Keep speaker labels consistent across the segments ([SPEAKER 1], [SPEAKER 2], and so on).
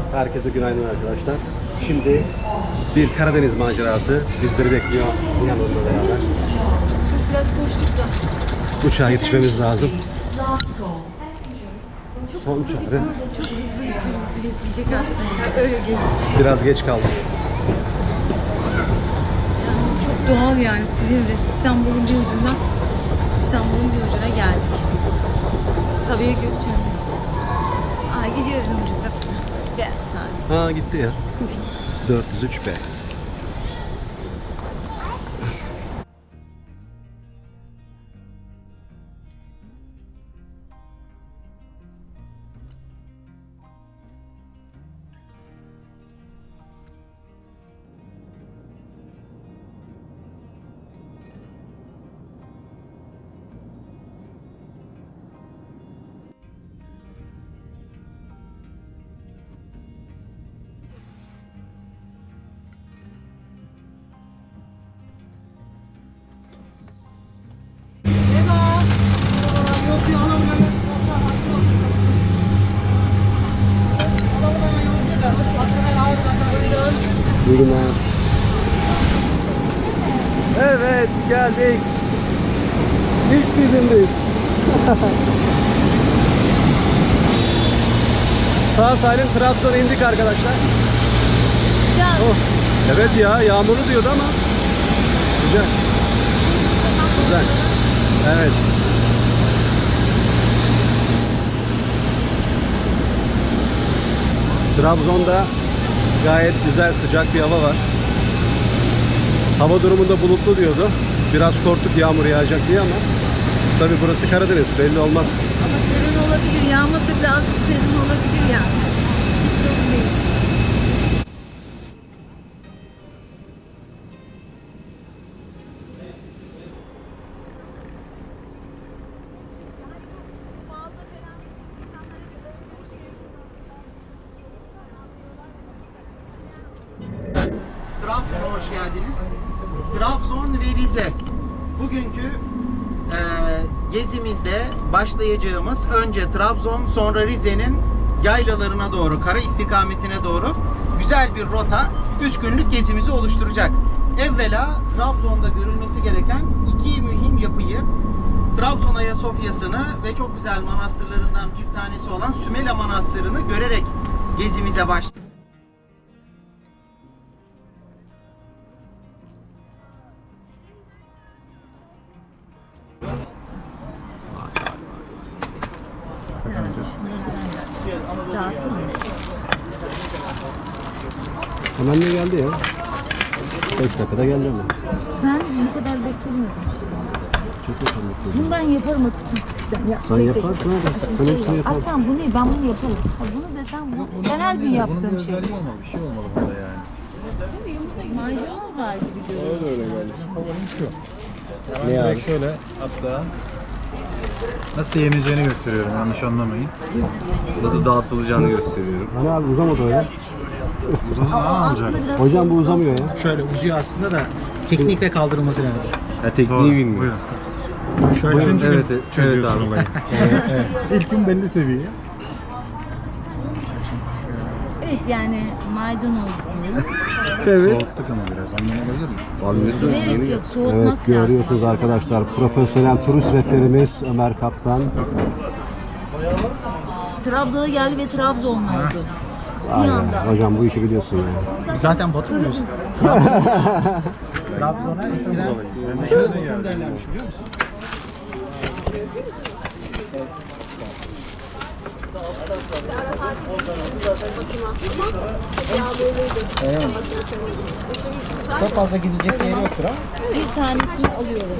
[SPEAKER 1] Herkese günaydın arkadaşlar. Şimdi bir Karadeniz macerası bizleri bekliyor yanımda beraber.
[SPEAKER 2] Çok biraz koştuk da.
[SPEAKER 1] Uçağa yetişmemiz lazım. Son çare.
[SPEAKER 2] Çok hızlı yetişecek arkadaşlar. Öyle değil.
[SPEAKER 1] Biraz geç kaldık.
[SPEAKER 2] Çok doğal yani Silivri. İstanbul'un bir ucundan İstanbul'un bir ucuna geldik. Sabiha Gökçen'deyiz. Aa gidiyoruz ucunda. Biraz saat.
[SPEAKER 1] Ha gitti ya. 403B. Buyurun abi. Evet geldik. İlk bizimdeyiz. Sağ salim Trabzon'a indik arkadaşlar. Oh. Evet ya yağmurlu diyordu ama güzel. Güzel. Evet. Trabzon'da gayet güzel sıcak bir hava var. Hava durumunda bulutlu diyordu. Biraz korktuk yağmur yağacak diye ama tabii burası Karadeniz belli olmaz.
[SPEAKER 2] Ama serin olabilir. Yağmurda biraz serin olabilir yani. Çok değil.
[SPEAKER 3] Trabzon'a hoş geldiniz. Trabzon ve Rize. Bugünkü gezimizde başlayacağımız önce Trabzon, sonra Rize'nin yaylalarına doğru, kara istikametine doğru güzel bir rota 3 günlük gezimizi oluşturacak. Evvela Trabzon'da görülmesi gereken iki mühim yapıyı, Trabzon Ayasofya'sını ve çok güzel manastırlarından bir tanesi olan Sümela Manastırı'nı görerek gezimize başlayacağız.
[SPEAKER 2] Dağıtın mı?
[SPEAKER 1] Hemen de geldi ya. 5 dakikada geldi ama.
[SPEAKER 2] Ben ne kadar beklemiyorum.
[SPEAKER 1] Çok yakın bekliyorum.
[SPEAKER 2] Bunu ben yaparım.
[SPEAKER 1] Sen yaparsın abi. Sen hepsini yaparsın.
[SPEAKER 2] Aslan bu ne? Ben bunu yaparım. Ha, bunu desem bunu. Ben her gün yaptığım şey.
[SPEAKER 4] olmalı, bir şey olmalı burada yani.
[SPEAKER 2] Maydanoz var gibi görünüyor.
[SPEAKER 4] Öyle geldi. Favorim şu. Ben
[SPEAKER 1] Ne
[SPEAKER 4] direkt
[SPEAKER 1] abi?
[SPEAKER 4] şöyle hatta nasıl yeneceğini gösteriyorum, yanlış anlamayın.
[SPEAKER 5] Nasıl dağıtılacağını gösteriyorum.
[SPEAKER 1] Hani abi uzamadı o ya.
[SPEAKER 4] Uzadı daha olacak.
[SPEAKER 1] Hocam bu uzamıyor ya.
[SPEAKER 3] Şöyle uzuyor aslında da teknikle kaldırılması lazım.
[SPEAKER 5] Ya tekniği
[SPEAKER 4] Doğru,
[SPEAKER 5] bilmiyorum.
[SPEAKER 4] buyurun.
[SPEAKER 3] Şöyle
[SPEAKER 4] Üçüncü
[SPEAKER 5] evet,
[SPEAKER 4] gün
[SPEAKER 5] evet
[SPEAKER 4] çözüyorsun
[SPEAKER 5] abi.
[SPEAKER 4] olayı. Evet. İlk gün belli seviye.
[SPEAKER 2] Evet yani maydanoz.
[SPEAKER 1] Evet.
[SPEAKER 4] Soğuttuk ama biraz, anlam olabilir mi?
[SPEAKER 5] Anlıyorsun
[SPEAKER 2] Gerek
[SPEAKER 5] yeni
[SPEAKER 2] yok soğutmak
[SPEAKER 1] Evet
[SPEAKER 2] lazım.
[SPEAKER 1] görüyorsunuz arkadaşlar. Profesyonel turist rehberimiz Ömer Kaptan.
[SPEAKER 2] Trabzon'a geldi ve Trabzonlu oldu.
[SPEAKER 1] Aynen. Hocam bu işi biliyorsun ya.
[SPEAKER 3] Biz zaten batırmıyoruz. Trabzon'a eskiden şöyle Bodrum derlermiş biliyor musun? Evet. Çok fazla gidecek yeri yoktur ama.
[SPEAKER 2] Bir tanesini alıyorum.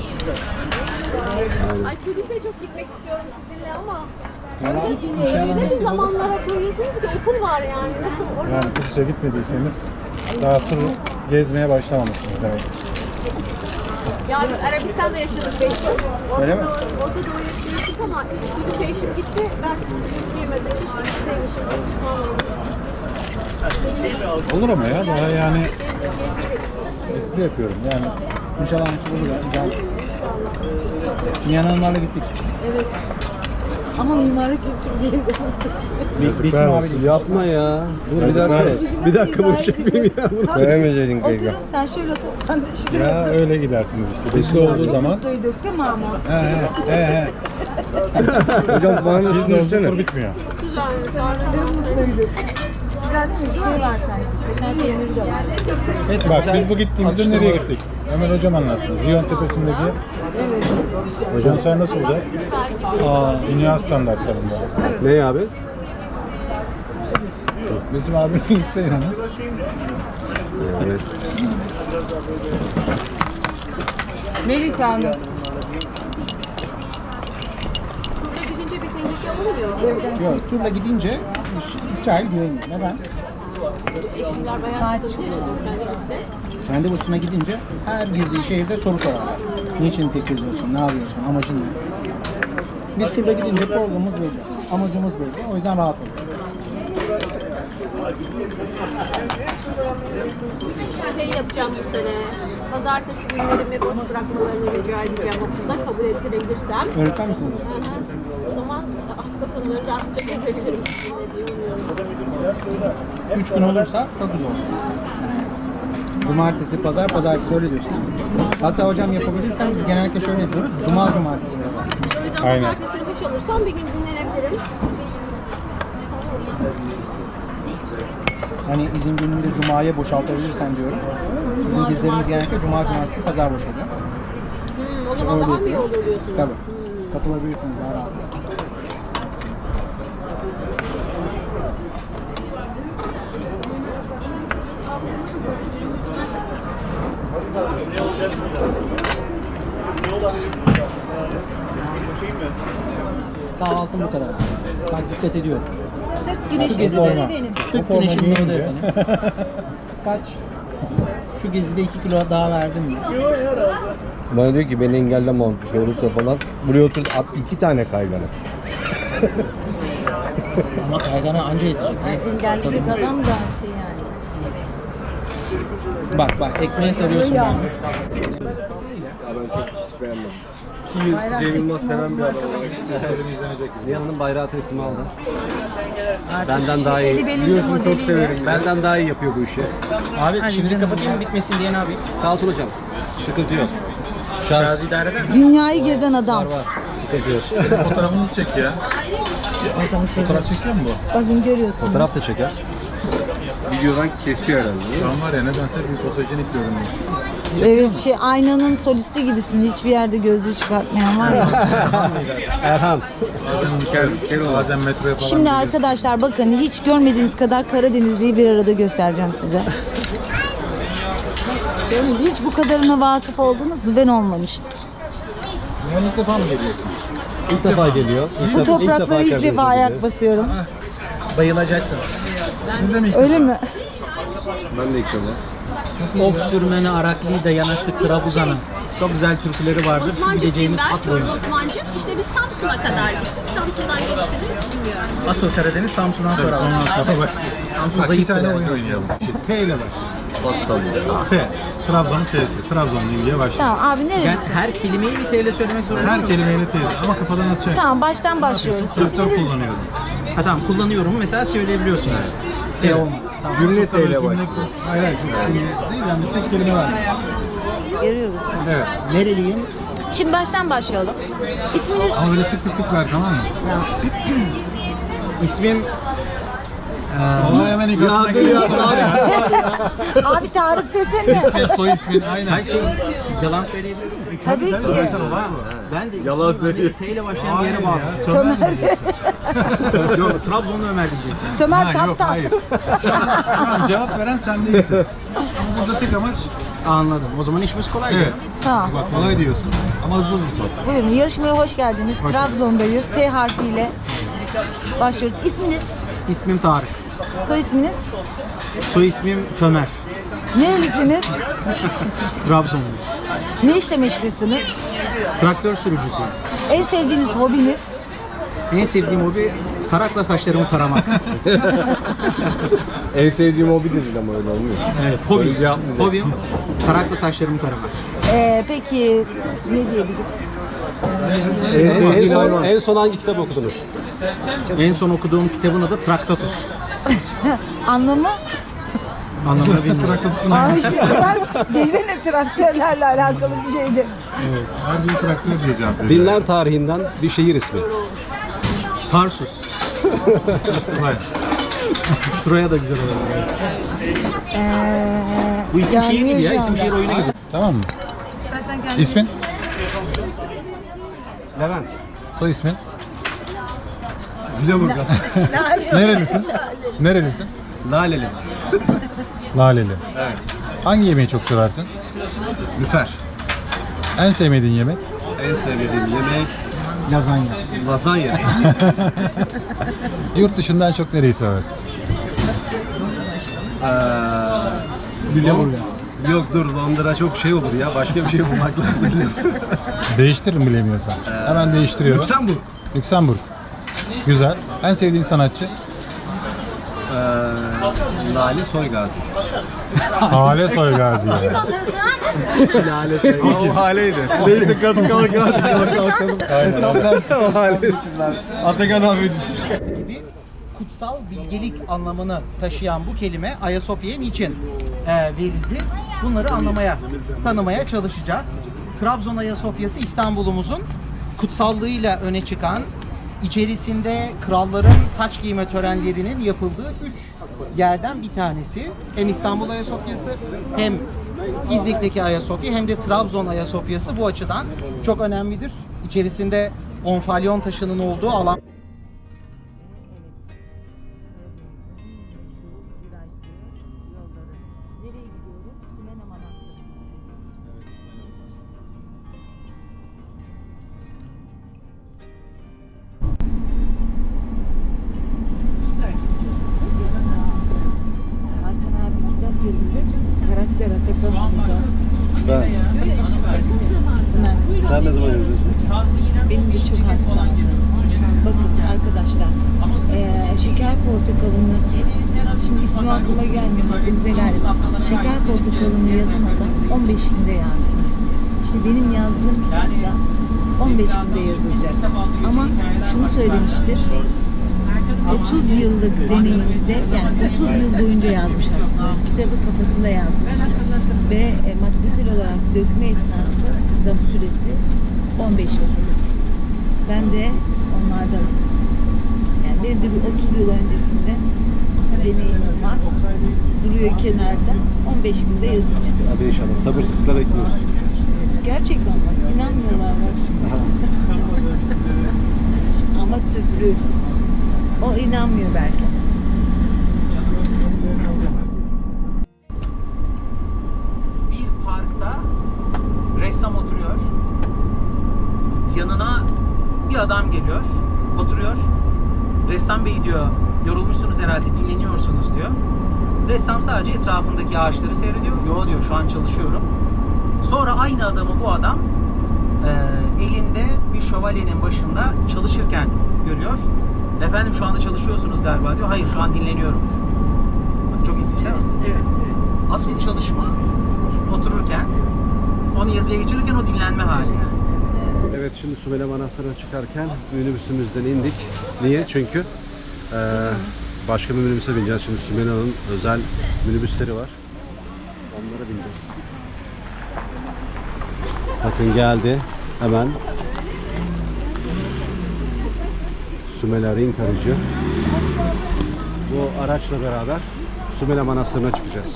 [SPEAKER 6] Ay Kudüs'e çok gitmek istiyorum sizinle ama
[SPEAKER 3] İnşallah
[SPEAKER 6] öyle
[SPEAKER 3] nasip olur.
[SPEAKER 6] zamanlara koyuyorsunuz ki okul var yani. Nasıl orası?
[SPEAKER 4] Yani Kudüs'e gitmediyseniz daha tur gezmeye başlamamışsınız demek.
[SPEAKER 6] Yani Arabistan'da yaşadık 5 yıl.
[SPEAKER 3] Öyle mi?
[SPEAKER 6] Orta Doğu'ya gittik ama Kudüs'e eşim gitti. Ben gitmeyemedim. Keşke gitseymişim. Pişman oldum.
[SPEAKER 4] Olur ama ya, daha yani espri yapıyorum yani. İnşallah nasip olur ya. Güzel. Dünyanın hanımlarla gittik.
[SPEAKER 6] Evet.
[SPEAKER 2] Ama mimarlık kültürü değil.
[SPEAKER 4] Yazıklar olsun.
[SPEAKER 1] Yapma ya. Dur bir
[SPEAKER 4] Yazıklar
[SPEAKER 1] dakika.
[SPEAKER 4] olsun.
[SPEAKER 1] Bir dakika bunu çekmeyeyim ya.
[SPEAKER 5] Sevmeyeceydin
[SPEAKER 2] Oturun
[SPEAKER 5] kayga.
[SPEAKER 2] sen şöyle otur, sen de şuraya
[SPEAKER 4] Ya
[SPEAKER 2] otur.
[SPEAKER 4] öyle gidersiniz işte. Biz de olduğu zaman.
[SPEAKER 2] Mutluyduk değil mi ama?
[SPEAKER 4] He.
[SPEAKER 5] Hocam bana
[SPEAKER 4] Biz de olduğu
[SPEAKER 5] düşünsene.
[SPEAKER 4] tur bitmiyor.
[SPEAKER 2] Güzel değil mi? Bir şey var sanki. Kaşar peyniri de var.
[SPEAKER 3] Evet,
[SPEAKER 4] Bak
[SPEAKER 3] güzel
[SPEAKER 4] biz bu gittiğimizde
[SPEAKER 3] atıştırma.
[SPEAKER 4] nereye gittik? Ömer hocam anlatsın. Ziyon Tepesi'ndeki konser nasıl olacak? Dünya standartlarında.
[SPEAKER 1] Ne abi?
[SPEAKER 4] Bizim abinin Hüseyin Hanım.
[SPEAKER 1] Evet.
[SPEAKER 2] Melisa Hanım.
[SPEAKER 6] Turda gidince bir tehlike olmuyor.
[SPEAKER 3] Yok, turla gidince İsrail güvenli. Neden?
[SPEAKER 6] Eğitimler bayağı sıkıntı yaşadım.
[SPEAKER 3] Kendi başına gidince her girdiği şehirde soru sorarlar. Niçin tek geziyorsun, ne yapıyorsun, amacın ne? Biz turla gidince programımız belli, amacımız belli. O yüzden rahat olun.
[SPEAKER 6] Şey yapacağım bu sene. Pazartesi günlerimi boş bırakmalarını rica edeceğim okulda kabul ettirebilirsem.
[SPEAKER 3] Öğretmen misiniz?
[SPEAKER 6] Hı hı. O zaman hafta sonları rahatça gezebilirim sizinle diye umuyorum.
[SPEAKER 3] 3 gün olursa çok güzel olur. Cumartesi, pazar, pazartesi öyle diyorsun. Hatta hocam yapabilirsem biz genellikle şöyle yapıyoruz. Cuma, cumartesi, pazar.
[SPEAKER 6] O yüzden
[SPEAKER 4] Aynen.
[SPEAKER 6] pazartesi 3 alırsam bir gün dinlenebilirim.
[SPEAKER 3] Hani izin gününde cumaya boşaltabilirsen diyorum. Bizim gezilerimiz genellikle cuma, cumartesi, pazar boş oluyor.
[SPEAKER 6] O zaman daha mı iyi olur diyorsunuz?
[SPEAKER 3] Tabii. Katılabilirsiniz daha rahat. Kahvaltım bu kadar. Bak dikkat ediyorum.
[SPEAKER 2] Tık güneşin
[SPEAKER 3] Şu gezide-
[SPEAKER 2] nuru benim.
[SPEAKER 3] Tık güneşin nuru efendim. Kaç? Şu gezide 2 kilo daha verdim mi?
[SPEAKER 5] Bana diyor ki beni engelleme bir şey olursa falan. Buraya otur at 2 tane kaygana.
[SPEAKER 3] Ama kaygana anca yetecek.
[SPEAKER 2] Engelleyecek adam da şey yani.
[SPEAKER 3] Bak ekmeğe sarıyorsun
[SPEAKER 2] Ya.
[SPEAKER 3] beni.
[SPEAKER 5] Ya ben çok hiç beğenmedim. Ki Cem Yılmaz seven bir adam olarak.
[SPEAKER 1] Nihan'ın bayrağı teslim aldı. Benden daha iyi.
[SPEAKER 2] Eli belinde
[SPEAKER 1] Biliyorsun çok
[SPEAKER 2] modeliyle.
[SPEAKER 1] severim. Benden daha iyi yapıyor bu işi.
[SPEAKER 3] Abi
[SPEAKER 2] Hadi
[SPEAKER 3] şimdi
[SPEAKER 2] canım.
[SPEAKER 3] kapatayım bitmesin diye ne yapayım?
[SPEAKER 1] Sağ olsun hocam. Sıkıntı yok.
[SPEAKER 3] Şarj idare eder mi?
[SPEAKER 2] Dünyayı gezen adam.
[SPEAKER 1] Var. Sıkıntı yok.
[SPEAKER 4] Fotoğrafınızı çek ya. Fotoğraf çekiyor mu bu?
[SPEAKER 2] Bakın görüyorsunuz.
[SPEAKER 1] Fotoğraf da çeker.
[SPEAKER 5] Videodan kesiyor herhalde. değil mi?
[SPEAKER 4] Şu an var ya nedense bir fotojenik görünüyor.
[SPEAKER 2] Evet şey aynanın solisti gibisin. Hiçbir yerde gözlüğü çıkartmayan var ya.
[SPEAKER 1] Erhan.
[SPEAKER 4] Bazen metroya falan
[SPEAKER 2] Şimdi
[SPEAKER 4] giriyorsun.
[SPEAKER 2] arkadaşlar bakın hiç görmediğiniz kadar Karadenizli'yi bir arada göstereceğim size. Hiç bu kadarına vakıf oldunuz mu? Ben olmamıştım.
[SPEAKER 4] Yani ilk defa mı geliyorsun?
[SPEAKER 1] İlk defa geliyor.
[SPEAKER 2] Bu topraklara ilk defa ayak basıyorum.
[SPEAKER 3] Bayılacaksın.
[SPEAKER 4] Siz de mi ilk
[SPEAKER 2] Öyle mi?
[SPEAKER 5] Ben de ilk defa.
[SPEAKER 3] Of sürmene Arakli'de yanaştık Trabzon'a. Çok güzel türküleri vardır. Şu
[SPEAKER 6] Osmancık
[SPEAKER 3] gideceğimiz
[SPEAKER 6] ben,
[SPEAKER 3] at
[SPEAKER 6] Çorum
[SPEAKER 3] boyunca.
[SPEAKER 6] Osmancık. İşte biz Samsun'a kadar gittik. Samsun'dan gerisini bilmiyorum.
[SPEAKER 3] Asıl Karadeniz Samsun'dan sonra var. Samsun
[SPEAKER 4] Bak bir
[SPEAKER 3] zayıf
[SPEAKER 4] tane
[SPEAKER 3] yani.
[SPEAKER 4] oyun oynayalım. T ile başlıyor.
[SPEAKER 5] Bak sallıyor.
[SPEAKER 4] T. Trabzon'un T'si. Trabzonluyum diye başlıyor.
[SPEAKER 2] Tamam abi
[SPEAKER 3] Ben
[SPEAKER 2] nerelisin?
[SPEAKER 3] her kelimeyi bir TL söylemek zorunda
[SPEAKER 4] Her
[SPEAKER 3] mıyım?
[SPEAKER 4] kelimeyle T ama kafadan atacaksın.
[SPEAKER 2] Tamam baştan başlıyoruz.
[SPEAKER 4] Traktör
[SPEAKER 2] İsminiz
[SPEAKER 4] kullanıyorum.
[SPEAKER 3] Ha tamam kullanıyorum mesela söyleyebiliyorsun yani. T olma. Tamam.
[SPEAKER 5] Cümle
[SPEAKER 4] Çok da böyle
[SPEAKER 5] T ile
[SPEAKER 4] cümle-
[SPEAKER 5] başlıyor.
[SPEAKER 4] Hayır hayır. Cümle değil yani tek kelime var.
[SPEAKER 2] görüyoruz.
[SPEAKER 4] Evet.
[SPEAKER 3] Nereliyim?
[SPEAKER 2] Şimdi baştan başlayalım. İsminiz?
[SPEAKER 4] Ama böyle tık tık tık ver tamam mı?
[SPEAKER 3] İsmim
[SPEAKER 4] Olay hemen ilk aklına geliyor.
[SPEAKER 2] Abi Tarık desene.
[SPEAKER 4] Soy ismin aynen.
[SPEAKER 3] her şey yalan söyleyebilir miyim?
[SPEAKER 2] Tabii ki.
[SPEAKER 3] Ben de
[SPEAKER 5] Yalan
[SPEAKER 3] ismim
[SPEAKER 5] söylüyor.
[SPEAKER 3] T ile başlayan bir yere bağlı.
[SPEAKER 2] Tömer.
[SPEAKER 3] Yok Trabzonlu Ömer diyecektim.
[SPEAKER 2] Tömer
[SPEAKER 4] Ha, yok
[SPEAKER 2] Kaptan.
[SPEAKER 4] hayır. Şu an cevap veren sen değilsin. Ama burada tek amaç
[SPEAKER 3] Anladım. O zaman işimiz kolay.
[SPEAKER 4] evet.
[SPEAKER 2] Tamam.
[SPEAKER 4] Bak kolay diyorsun ama hızlı hızlı sor.
[SPEAKER 2] Buyurun yarışmaya hoş geldiniz. Trabzon'dayız. T harfiyle başlıyoruz. İsminiz?
[SPEAKER 3] İsmim Tarık.
[SPEAKER 2] Soy isminiz?
[SPEAKER 3] Soy ismim Tömer.
[SPEAKER 2] Nerelisiniz?
[SPEAKER 3] Trabzonlu.
[SPEAKER 2] Ne işle meşgulsünüz?
[SPEAKER 3] Traktör sürücüsüyüm.
[SPEAKER 2] En sevdiğiniz hobiniz?
[SPEAKER 3] En sevdiğim hobi tarakla saçlarımı taramak.
[SPEAKER 5] En sevdiğim hobi dedin ama öyle olmuyor.
[SPEAKER 3] Evet,
[SPEAKER 5] Böyle cevap mı?
[SPEAKER 3] Hobim tarakla saçlarımı taramak.
[SPEAKER 2] Peki ne diyebilirim?
[SPEAKER 1] En son hangi kitap okudunuz?
[SPEAKER 3] En son okuduğum kitabın adı Traktatus.
[SPEAKER 2] Anlamı?
[SPEAKER 3] Anlamını bilmiyorum.
[SPEAKER 2] Aa işte desene traktörlerle alakalı bir şeydi.
[SPEAKER 4] Evet. Her bir traktör diye cevap veriyor.
[SPEAKER 1] Dinler tarihinden bir şehir ismi.
[SPEAKER 3] Tarsus.
[SPEAKER 4] Vay.
[SPEAKER 3] Troya da güzel olur. Bu isim şehir değil ya. İsim şehir oyuna gidiyor.
[SPEAKER 4] Tamam mı?
[SPEAKER 2] İstersen kendin.
[SPEAKER 4] İsmin?
[SPEAKER 1] Levent.
[SPEAKER 4] Soy ismin?
[SPEAKER 1] Lüleburgaz.
[SPEAKER 4] Nerelisin? Nerelisin?
[SPEAKER 1] Laleli.
[SPEAKER 4] Laleli. Evet. Hangi yemeği çok seversin?
[SPEAKER 1] Lüfer.
[SPEAKER 4] En sevmediğin yemek?
[SPEAKER 1] En sevdiğim yemek
[SPEAKER 4] Lazanya.
[SPEAKER 1] lazanya.
[SPEAKER 4] Yurt dışından çok nereyi seversin?
[SPEAKER 1] Lüleburgaz. Yok dur, Londra çok şey olur ya. Başka bir şey bulmak lazım.
[SPEAKER 4] Değiştiririm bilemiyorsan. Hemen değiştiriyorum.
[SPEAKER 1] Lüksemburg.
[SPEAKER 4] Lüksemburg. Güzel. En sevdiğin sanatçı?
[SPEAKER 1] Lale Soygazi.
[SPEAKER 4] Hale Soygazi. Yani.
[SPEAKER 1] Lale Soygazi. O haleydi. Neydi? Kadın kalkalım.
[SPEAKER 4] Aynen.
[SPEAKER 1] O haleydi. Atakan abi.
[SPEAKER 3] Kutsal bilgelik anlamını taşıyan bu kelime Ayasofya'ya niçin verildi? Bunları anlamaya, tanımaya çalışacağız. Trabzon Ayasofya'sı İstanbul'umuzun kutsallığıyla öne çıkan, içerisinde kralların taç giyme törenlerinin yapıldığı 3 yerden bir tanesi. Hem İstanbul Ayasofya'sı, hem İznik'teki Ayasofya, hem de Trabzon Ayasofya'sı bu açıdan çok önemlidir. İçerisinde onfalyon taşının olduğu alan.
[SPEAKER 2] Hakan abi kitap gelecek. Karakter Atakan olacak.
[SPEAKER 1] Ben.
[SPEAKER 2] İsmen.
[SPEAKER 1] Sen ne zaman yazıyorsun?
[SPEAKER 2] Benim de çok hastam. Bakın arkadaşlar. Şeker portakalını şimdi ismi aklıma gelmiyor. Aklınıza geldi. Şeker portakalını yazan adam 15 günde yazdı. İşte benim yazdığım kitap da 15 günde yazılacak. Ama şunu söylemiştir. 30 yıllık deneyimde, yani 30 yıl boyunca yazmış aslında. Kitabı kafasında yazmış. Ve maddesel olarak dökme esnası zaman süresi 15 vakit. Ben de onlardanım. Yani benim de bir 30 yıl öncesinde deneyimim var. Duruyor kenarda. 15 günde yazıp çıkıyor.
[SPEAKER 1] Hadi inşallah. Sabırsızlıkla bekliyoruz.
[SPEAKER 2] Gerçekten bak, inanmıyorlar bak şimdi. Ama sürdürüyorsun. O inanmıyor belki.
[SPEAKER 3] Bir parkta ressam oturuyor. Yanına bir adam geliyor, oturuyor. Ressam bey diyor, yorulmuşsunuz herhalde, dinleniyorsunuz diyor. Ressam sadece etrafındaki ağaçları seyrediyor. Yo diyor, şu an çalışıyorum. Sonra aynı adamı bu adam elinde bir şövalyenin başında çalışırken görüyor. Efendim şu anda çalışıyorsunuz galiba diyor. Hayır, şu an dinleniyorum. Bak, çok ilginç değil mi? Evet. Asıl çalışma otururken, onu yazıya geçirirken o dinlenme hali.
[SPEAKER 1] Evet, şimdi Sümele Manastırı'na çıkarken minibüsümüzden indik. Niye? Çünkü başka bir minibüse bineceğiz. Şimdi Sümele'nin özel minibüsleri var. Onlara bineceğiz. Bakın geldi. Hemen Sümele Ring aracı. Bu araçla beraber Sümele Manastırı'na çıkacağız.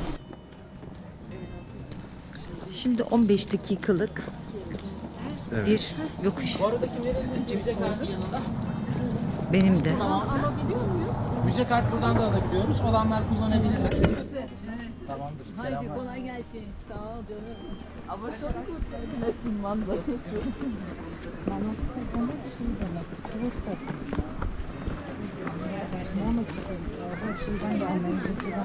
[SPEAKER 2] Şimdi 15 dakikalık
[SPEAKER 1] Evet.
[SPEAKER 2] bir yokuş.
[SPEAKER 3] Bu arada kimlerin müze kartı yanında?
[SPEAKER 2] Benim de.
[SPEAKER 3] Müze kart buradan da alabiliyoruz. Olanlar kullanabilirler. Tamamdır.
[SPEAKER 2] Haydi kolay gelsin. Sağ ol canım. Ama sonra manzara Manastır demek şey demek. Burası. Manastır. Bak şuradan da anlayın.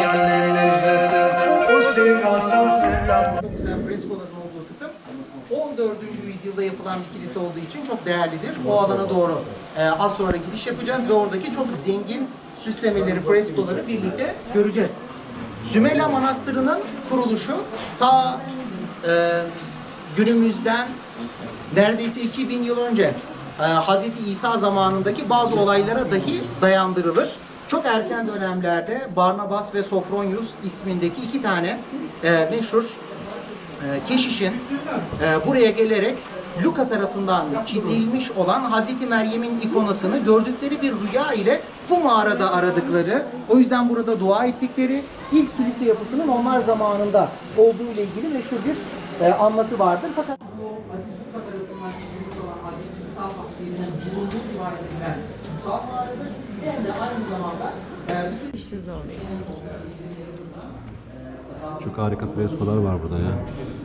[SPEAKER 3] Çok güzel freskoların olduğu kısım. 4. yüzyılda yapılan bir kilise olduğu için çok değerlidir. O alana doğru az sonra gidiş yapacağız ve oradaki çok zengin süslemeleri, freskoları birlikte göreceğiz. Sümela Manastırı'nın kuruluşu ta günümüzden neredeyse 2000 yıl önce Hz. İsa zamanındaki bazı olaylara dahi dayandırılır. Çok erken dönemlerde Barnabas ve Sofronius ismindeki iki tane meşhur keşişin buraya gelerek Luka tarafından çizilmiş olan Hazreti Meryem'in ikonasını gördükleri bir rüya ile bu mağarada aradıkları, o yüzden burada dua ettikleri ilk kilise yapısının onlar zamanında olduğu ile ilgili meşhur bir anlatı vardır. Fakat bu Aziz Luka tarafından çizilmiş olan Hazreti İsa tasvirinin bulunduğu rivayet edilen kutsal mağaradır. Hem de aynı zamanda bütün
[SPEAKER 2] İşte zor.
[SPEAKER 1] Çok harika freskolar var burada ya.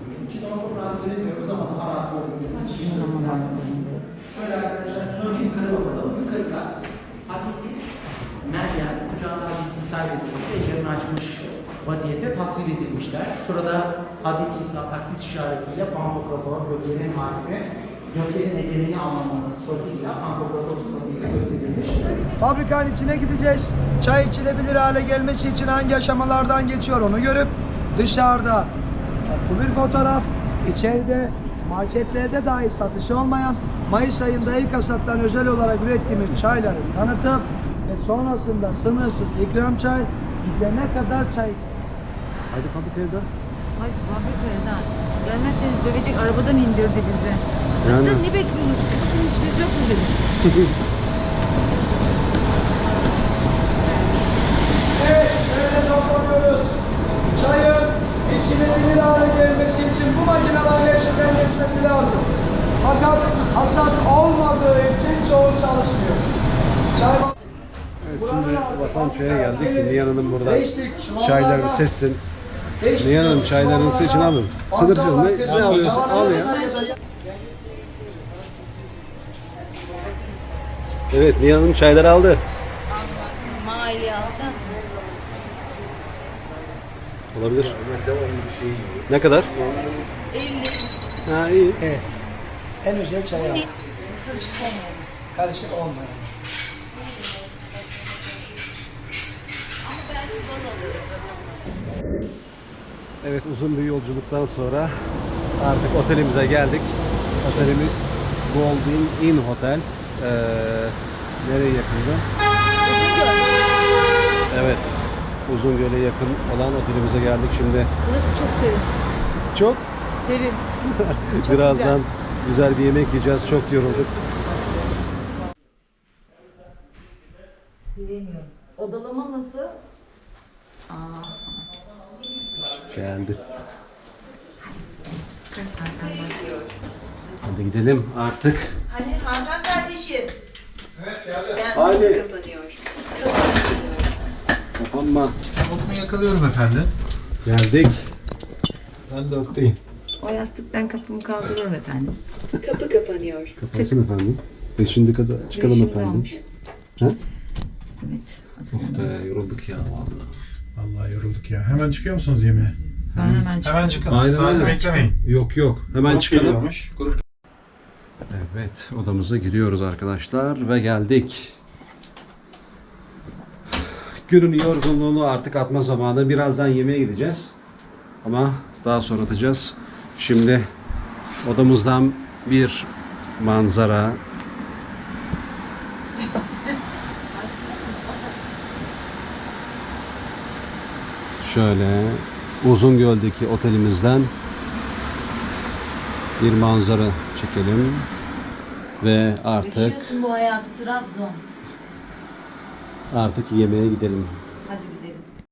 [SPEAKER 3] Şöyle arkadaşlar, önce yukarı bakalım. Yukarıda Hazreti Meryem kucağında Hazreti İsa edilmiş, ellerini açmış vaziyette tasvir edilmişler. Şurada Hazreti İsa takdis işaretiyle Pantokrator, göklerin hakimi, göklerin egemini anlamında sıfatıyla, Pantokrator sıfatıyla gösterilmiş.
[SPEAKER 7] Fabrikanın içine gideceğiz. Çay içilebilir hale gelmesi için hangi aşamalardan geçiyor onu görüp dışarıda bu bir fotoğraf, içeride marketlerde dahi satışı olmayan Mayıs ayında ilk hasattan özel olarak ürettiğimiz çayları tanıtıp ve sonrasında sınırsız ikram çay gidene kadar çay içeceğiz.
[SPEAKER 1] Haydi fabrikaya da.
[SPEAKER 2] Hayır, fabrikadan. Gelmezseniz dövecek, arabadan indirdi bizi.
[SPEAKER 1] Yani.
[SPEAKER 2] Sizden ne bekliyorsunuz? Sizin işiniz yok mu dedim.
[SPEAKER 7] Evet, şöyle toplanıyoruz. Çayın içilebilir hale gelmesi için bu makinelerin hepsinden geçmesi lazım. Fakat hasat olmadığı için çoğu çalışmıyor. Çay
[SPEAKER 1] Evet, şimdi Vatan Çay'a geldik. Nihan Hanım burada çaylarını seçsin. Nihan Hanım çaylarını seçin alın. Sınırsız ne alıyorsun al ya. Evet, Nihan Hanım çayları aldı.
[SPEAKER 2] Maliye alacağız.
[SPEAKER 1] Olabilir. Ne kadar?
[SPEAKER 2] 50.
[SPEAKER 1] Ha iyi.
[SPEAKER 7] Evet. En güzel çay al. Karışık olmayan.
[SPEAKER 1] Evet, uzun bir yolculuktan sonra artık otelimize geldik. Otelimiz Golden Inn Hotel. Nereye yakındı? Evet, Uzungöl'e yakın olan otelimize geldik şimdi.
[SPEAKER 2] Burası çok serin.
[SPEAKER 1] Çok
[SPEAKER 2] Serin. Çok
[SPEAKER 1] birazdan güzel bir yemek yiyeceğiz. Çok yorulduk.
[SPEAKER 2] Sevemiyorum. Odalama nasıl?
[SPEAKER 1] Beğendi. Hadi gidelim artık.
[SPEAKER 2] Hadi Hakan kardeşim.
[SPEAKER 1] Hadi. Kapanma.
[SPEAKER 4] Onu yakalıyorum efendim.
[SPEAKER 1] Geldik.
[SPEAKER 4] Ben de oktayım.
[SPEAKER 2] O yastıktan kapımı kaldırıyorum efendim.
[SPEAKER 1] Kapansın efendim. 5. kadar çıkalım
[SPEAKER 2] Beşimiz
[SPEAKER 1] efendim.
[SPEAKER 2] olmuş.
[SPEAKER 1] Ha?
[SPEAKER 2] Evet.
[SPEAKER 1] Oh be, yorulduk ya vallahi.
[SPEAKER 4] Vallahi yorulduk ya. Hemen çıkıyor musunuz yemeğe?
[SPEAKER 2] Ben hemen çıkıyorum.
[SPEAKER 4] Hemen çıkın.
[SPEAKER 1] Aynen
[SPEAKER 4] Sadece
[SPEAKER 1] öyle.
[SPEAKER 4] beklemeyin.
[SPEAKER 1] Yok yok. Hemen
[SPEAKER 4] Grup
[SPEAKER 1] çıkalım.
[SPEAKER 4] geliyormuş. Grup.
[SPEAKER 1] Evet, odamıza giriyoruz arkadaşlar ve geldik. Günün yorgunluğunu artık atma zamanı. Birazdan yemeğe gideceğiz. Ama daha sonra atacağız. Şimdi odamızdan bir manzara. Şöyle Uzungöl'deki otelimizden bir manzara çekelim. Ve artık
[SPEAKER 2] Yaşıyorsun bu hayatı Trabzon.
[SPEAKER 1] yemeğe gidelim.